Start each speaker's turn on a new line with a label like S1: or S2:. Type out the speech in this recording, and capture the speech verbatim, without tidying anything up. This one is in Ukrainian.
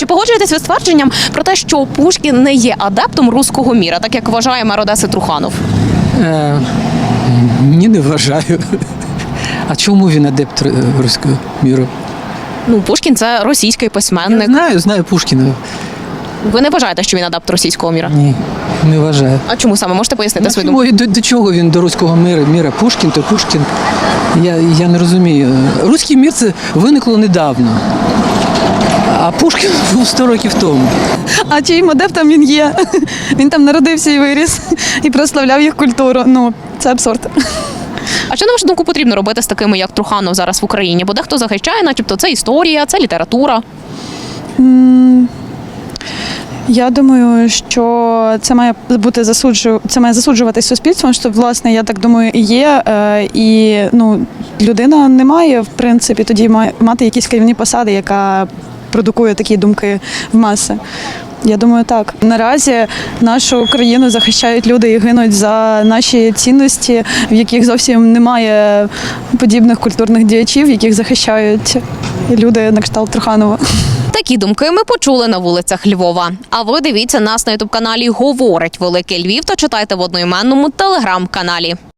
S1: Чи погоджуєтесь ви з твердженням про те, що Пушкін не є адептом руського міра, так як вважає мер Одеси Труханов?
S2: Е, ні, не вважаю. А чому він адепт е, руського міру?
S1: Ну, Пушкін – це російський
S2: Я
S1: письменник.
S2: знаю, знаю Пушкіна.
S1: Ви не вважаєте, що він адепт російського міра?
S2: Ні, не вважаю.
S1: А чому саме? Можете пояснити
S2: А
S1: свою
S2: чому,
S1: думку?
S2: до, до чого він до руського міра? Міра Пушкін, то Пушкін. Я, я не розумію. Руський мір це виникло недавно. А Пушкін був сто років тому.
S3: А чиїм адептом він є? Він там народився і виріс, і прославляв їх культуру. Ну, це абсурд.
S1: А що, на вашу думку, потрібно робити з такими, як Труханов, зараз в Україні? Бо дехто захищає, начебто, це історія, це література.
S3: Я думаю, що це має бути засуджу... це має засуджуватись суспільством, що, власне, я так думаю, і є. Е, І ну, людина не має, в принципі, тоді має мати якісь керівні посади, яка продукує такі думки в маси. Я думаю, так. Наразі нашу країну захищають люди і гинуть за наші цінності, в яких зовсім немає подібних культурних діячів, яких захищають люди на кшталт Труханова.
S1: Такі думки ми почули на вулицях Львова. А ви дивіться нас на ютуб-каналі «Говорить Великий Львів» та читайте в одноіменному телеграм-каналі.